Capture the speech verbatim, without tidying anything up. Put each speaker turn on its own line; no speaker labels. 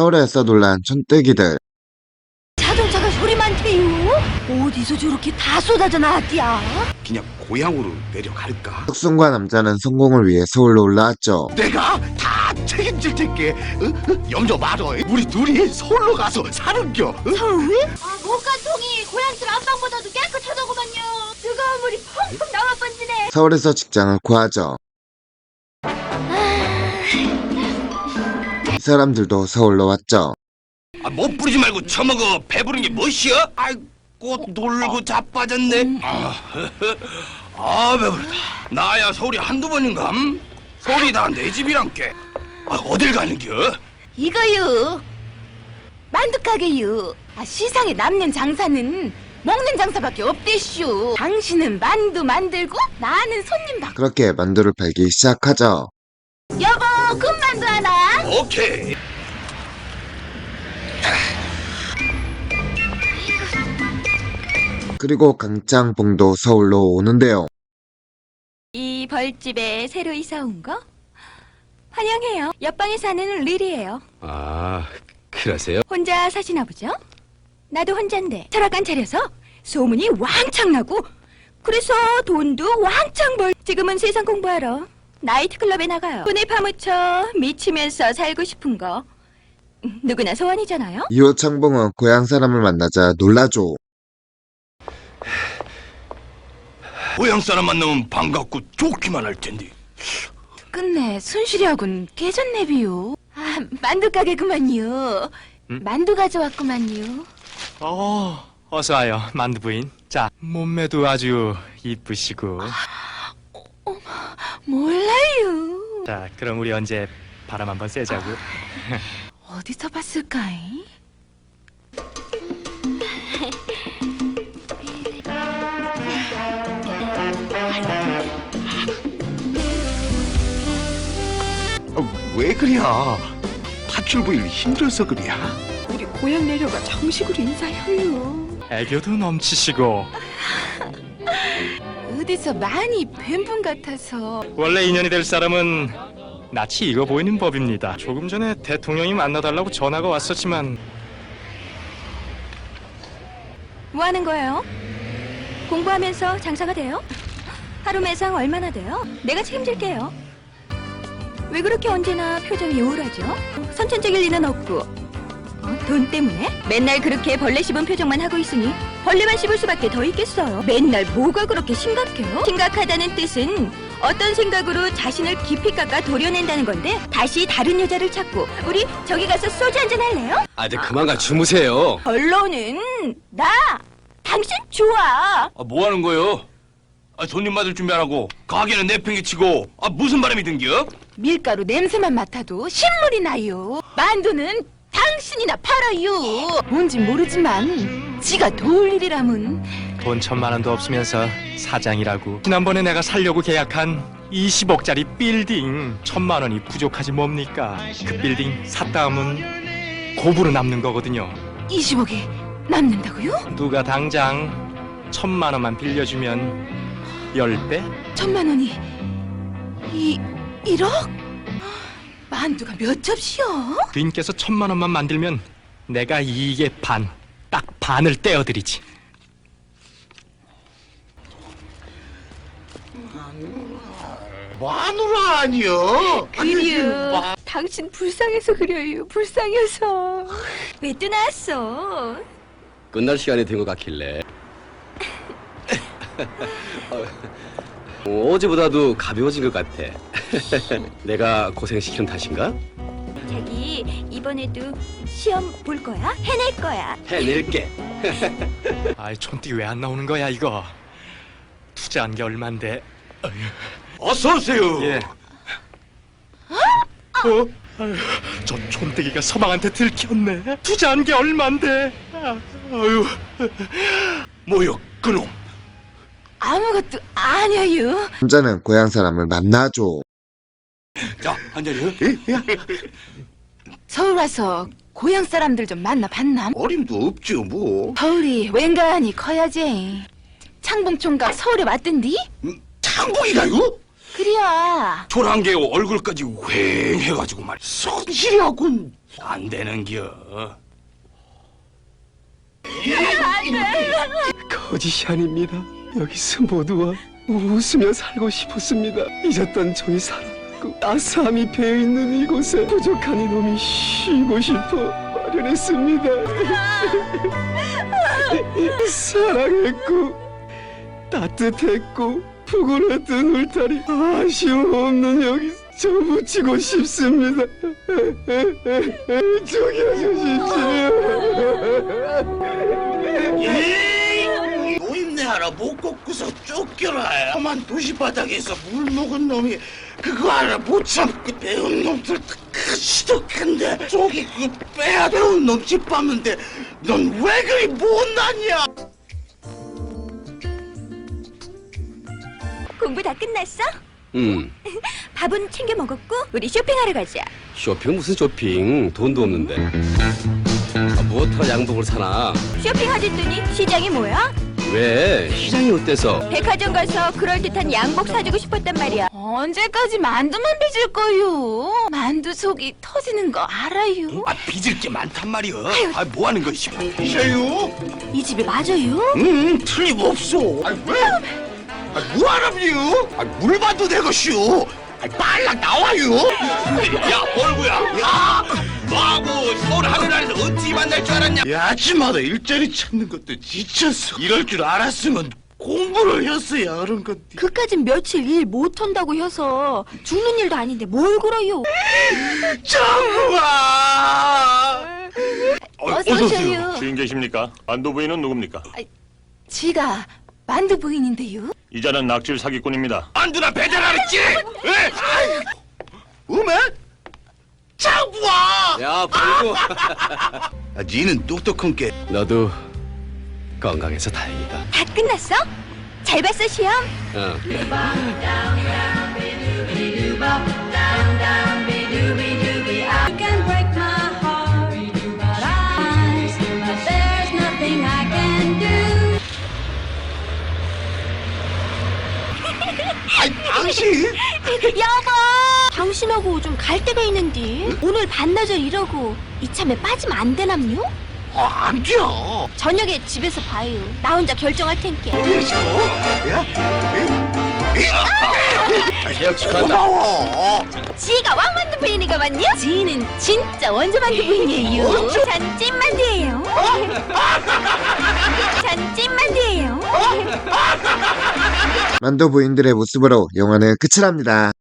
서울에서 놀란 촌뜨기들.
자동차가 소리 많대요. 어디서 저렇게 다 쏟아져 나왔디야?
그냥 고향으로 내려갈까?
혁순과 남자는 성공을 위해 서울로 올라왔죠.
내가 다 책임질 테게. 어? 어? 염려 말어. 우리 둘이 서울로 가서 사는겨. 어?
서울? 아, 목간통이 고향집 안방보다도 깨끗하더구만요. 뜨거운 물이 펑펑 나와 번지네.
서울에서 직장을 구하죠. 이 사람들도 서울로 왔죠.
아, 못 부리지 말고 처먹어. 배부른 게 멋이야? 아이고, 놀고 자빠졌네. 아, 아, 배부르다. 나야 서울이 한두 번인감? 서울이 다 내 집이란께. 아, 어딜 가는겨?
이거요. 만두 가게요. 아, 시상에 남는 장사는 먹는 장사밖에 없대쇼. 당신은 만두 만들고 나는 손님 받고.
그렇게 만두를 팔기 시작하죠.
여보, 금만두 하나.
오케이.
그리고 강짱봉도 서울로 오는데요.
이 벌집에 새로 이사 온 거? 환영해요. 옆방에 사는 릴이에요.
아, 그러세요?
혼자 사시나 보죠? 나도 혼잔데 철학관 차려서 소문이 왕창 나고 그래서 돈도 왕창 벌. 지금은 세상 공부하러 나이트클럽에 나가요. 돈에 파묻혀 미치면서 살고 싶은 거 누구나 소원이잖아요.
이후 창봉은 고향 사람을 만나자 놀라죠.
고향 사람 만나면 반갑고 좋기만 할 텐데.
끝내 순실이하군 깨졌네비요. 아, 만두 가게 그만요.
음?
만두 가져왔구만요.
어, 어서 와요, 만두 부인. 자, 몸매도 아주 이쁘시고.
몰라요.
자, 그럼 우리 언제 바람 한번 쐬자고.
어디서 봤을까이?
어, 왜 그래야? 파출부일 힘들어서 그래야?
우리 고향 내려가 정식으로 인사해요.
애교도 넘치시고.
어디서 많이 뵌 분 같아서.
원래 인연이 될 사람은 낯이 익어 보이는 법입니다. 조금 전에 대통령이 만나달라고 전화가 왔었지만.
뭐 하는 거예요? 공부하면서 장사가 돼요? 하루 매상 얼마나 돼요? 내가 책임질게요. 왜 그렇게 언제나 표정이 우울하죠? 선천적일 리는 없고. 어? 돈 때문에? 맨날 그렇게 벌레 씹은 표정만 하고 있으니 벌레만 씹을 수밖에 더 있겠어요. 맨날 뭐가 그렇게 심각해요? 심각하다는 뜻은 어떤 생각으로 자신을 깊이 깎아 도려낸다는 건데 다시 다른 여자를 찾고 우리 저기 가서 소주 한잔 할래요?
아, 이제 그만 가 주무세요.
결론은 나 당신 좋아.
아, 뭐 하는 거요? 아, 손님 맞을 준비 안 하고 가게는 내팽개치고. 아, 무슨 바람이 든겨?
밀가루 냄새만 맡아도 신물이 나요. 만두는 당신이나 팔아요. 뭔진 모르지만 지가 도울 일이라면.
돈 천만 원도 없으면서 사장이라고. 지난번에 내가 살려고 계약한 이십억짜리 빌딩 천만 원이 부족하지 뭡니까? 그 빌딩 샀다 하면 고부로 남는 거거든요.
이십억이 남는다고요?
누가 당장 천만 원만 빌려주면 열 배?
천만 원이 이 일억? 만두가 몇 접시요?
부인께서 천만 원만 만들면 내가 이익의 반, 딱 반을 떼어드리지.
마누라 아니여?
그래요. 당신 불쌍해서 그래요. 불쌍해서. 왜 또 나왔어?
끝날 시간이 된 것 같길래. 어, 어제보다도 가벼워진 것 같아. 내가 고생시키는 탓인가?
자기 이번에도 시험 볼 거야? 해낼 거야.
해낼게.
아이, 촌띠 왜 안 나오는 거야 이거? 투자한 게 얼만데?
어서 오세요.
예. 어? 아유, 저 촌뜨기가 서방한테 들켰네. 투자한 게 얼만데? 아유.
뭐요, 그놈?
아무것도 아니에요.
남자는 고향 사람을 만나죠.
자, 한 잔이요?
서울 와서 고향 사람들 좀 만나봤나?
어림도 없죠 뭐.
서울이 웬간히 커야지. 창봉총각 서울에 왔던디?
창봉이가요?
그래야.
조랑개 얼굴까지 휑해가지고 말 손질하군 안 되는겨.
거짓이 아닙니다. 여기서 모두와 웃으며 살고 싶었습니다. 잊었던 종이 살아났고 따스함이 배어있는 이곳에 부족한 이놈이 쉬고 싶어 마련했습니다. 사랑했고 따뜻했고 푸근했던 울타리 아쉬움 없는 여기 저 묻히고 싶습니다. 죽여주십시오.
노인네 하나 못 꺾고서 쫓겨라. 험한 도시바닥에서 물 먹은 놈이 그거 하나 못 참고 배운 놈들 그 시독한데 저기 그 빼야 배운 놈 짓밟는데 넌 왜 그리 못났냐?
공부 다 끝났어?
음,
밥은 챙겨 먹었고 우리 쇼핑하러 가자.
쇼핑 무슨 쇼핑? 돈도 없는데. 아, 뭐하러 양복을 사나?
쇼핑하랬더니 시장이 뭐야?
왜? 시장이 어때서?
백화점 가서 그럴듯한 양복 사주고 싶었단 말이야.
언제까지 만두만 빚을 거요? 만두 속이 터지는 거 알아요?
아 빚을 게 많단 말이야. 아 뭐하는 거야 씨.
이세요?
이 집이 맞아요?
응, 틀림없어. 아 왜? 아 뭐하랍니요? 아 물반도 되것이오. 아 빨라 나와요.
야 얼구야. 야 너하고 서울 하늘 아래서 어찌 만날 줄 알았냐.
야, 아침마다 일자리 찾는 것도 지쳤어. 이럴 줄 알았으면 공부를 했어야 하는 건데.
그까진 며칠 일 못한다고 해서 죽는 일도 아닌데 뭘 그러요?
정부아!
어서 오세요.
주인 계십니까? 만두 부인은 누굽니까?
지가 만두 부인인데요.
이자는 낙질 사기꾼입니다.
안두나 배달하랬지. 왜?
우메? 장부아!
야, 벌고.
아, 니는 똑똑한 게.
너도 건강해서 다행이다.
다 끝났어? 잘 봤어 시험?
어.
아이, 당신!
여보! 당신하고 좀 갈 데가 있는데 오늘 반나절 이러고 이참에 빠지면 안 되남요?
아, 안 돼!
저녁에 집에서 봐요. 나 혼자 결정할 텐게.
그래서? 야?
계약 축하한다.
고마워!
지가 왕만두 부인이가 맞냐? 지는 진짜 원조 만두 부인이에요. 전 찐만두예요. 전 찐만두예요.
만두 부인들의 모습으로 영화는 끝을 합니다.